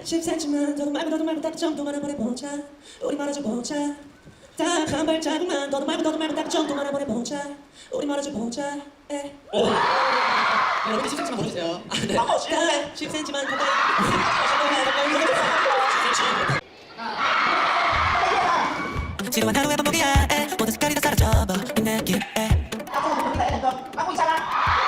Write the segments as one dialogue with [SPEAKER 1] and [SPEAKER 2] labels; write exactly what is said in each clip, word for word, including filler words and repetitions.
[SPEAKER 1] 십 센티미터만 더도 말고 너도 말고 딱 정도만 한번 해보자. 우리 말아줘 보자. 딱 한 발자국만 더도 말고 너도 말고 딱 정도만 한번 해보자. 우리 말아줘 보자. 에. 오. 여러분 십 센티미터만 보여주세요. 네. 십 센티미터만 가까이. 지루한 하루의 반복이야. 에. 모든 색깔이 다 사라져버린 느낌. 에.
[SPEAKER 2] 하고 있잖아.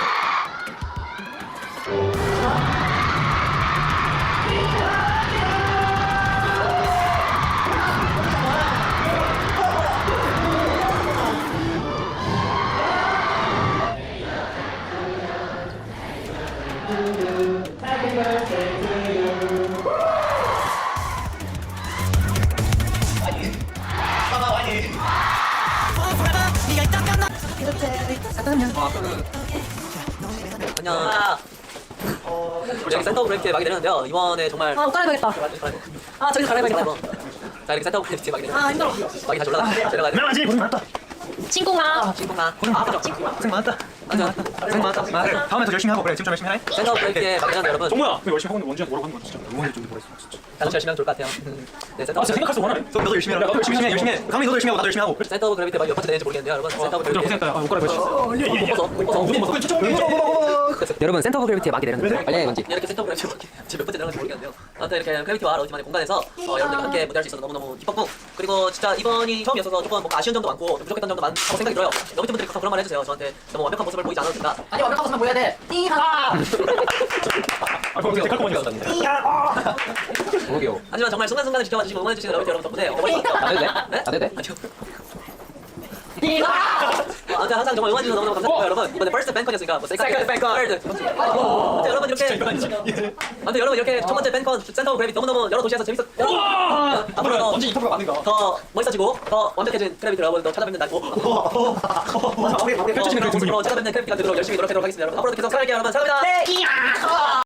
[SPEAKER 2] Happy birthday to you. 봐봐 와니.
[SPEAKER 3] 안녕. 우리 여기 센터 브레이크에 막이 되는데요. 이번에 정말
[SPEAKER 4] 아, 옷 갈아입어야겠다. 아, 저기서 갈아입어야겠다.
[SPEAKER 3] 자 이렇게 센터 브레이크에 막이 되는.
[SPEAKER 4] 아, 힘들어.
[SPEAKER 3] 막이 다시 올라가. 내려가야 돼.
[SPEAKER 5] 미안하지 고생 많았다.
[SPEAKER 4] 친구나.
[SPEAKER 3] 친구나. 아, 그죠.
[SPEAKER 5] 고생 많았다.
[SPEAKER 3] 맞아.
[SPEAKER 5] 고생 많았다. 아, 다음에 더 열심히 하고 그래. 지금 좀 열심히 해.
[SPEAKER 3] 센터 브레이크에 막이 되는데 여러분.
[SPEAKER 5] 정모야, 그 열심히 하고 있는데 원주한테 뭐라고 하는 거야 진짜. 응원해 좀 보냈어 진짜.
[SPEAKER 3] 같이 열심히 하면 좋을 것 같아요. 네, 센터.
[SPEAKER 5] 아, 진짜 생각할 수 원하네. 너도 열심히 해. 나도 열심히 해. 열심히 해. 강민 너도 열심히 하고 나도 열심히 하고.
[SPEAKER 3] 센터 그래비티 막이 몇 번째 되는지 모르겠는데요, 여러분. 센터
[SPEAKER 5] 좀
[SPEAKER 3] 그래비티.
[SPEAKER 5] 고생했다. 아, 옷 갈아입었어.
[SPEAKER 3] 못 벗어. 못 벗어.
[SPEAKER 5] 못 벗어.
[SPEAKER 3] 여러분 센터 오브 그래비티에 막이 되는데 빨리 해 뭔지 이렇게 센터 오브 그래비티에 막이 지금 몇 번째 들어간지 모르겠는데요. 아무튼 이렇게 그래비티와 러지만의 공간에서 어, 여러분들과 함께 무대할 수 있어서 너무너무 기뻤고 그리고 진짜 이번이 처음이어서 조금 뭔가 아쉬운 점도 많고 좀 부족했던 점도 많다고 생각이 들어요. 여기 분들이 가서 그런 말 해주세요. 저한테 너무 완벽한 모습을 보이지 않아도 된다.
[SPEAKER 2] 아니 완벽한 모습만 보여야 돼.
[SPEAKER 5] 아, 그거 되게 깔끔하게 나왔다.
[SPEAKER 3] 그러게요. 하지만 정말 순간순간을 지켜봐주시고 응원해주시는 러비티 여러분 덕분에 어머니까 안 해도 돼? 네? 안 해도 돼? 아니요. 어, 아무튼 항상 정말 응원해주셔서 너무너무 감사드리고 여러분 이번에 퍼스트 팬콘이었으니까 뭐 세컨드 팬콘 third. 아무튼 여러분 이렇게 아무튼 여러분 이렇게 첫 번째 팬콘 센터 오브 그래비티 너무너무 여러 도시에서 재밌었 앞으로 더
[SPEAKER 5] 언제 인터뷰가 맞는가?
[SPEAKER 3] 더 멋있어지고 더 완벽해진 그래비티 여러분들 찾아뵙는 날
[SPEAKER 5] 펼쳐지는 그
[SPEAKER 3] 앞으로 찾아뵙는 그래비티가 되도록 열심히 노력하도록 하겠습니다. 여러분 앞으로도 계속 사랑할게요 여러분. 사랑합니다.
[SPEAKER 2] 네.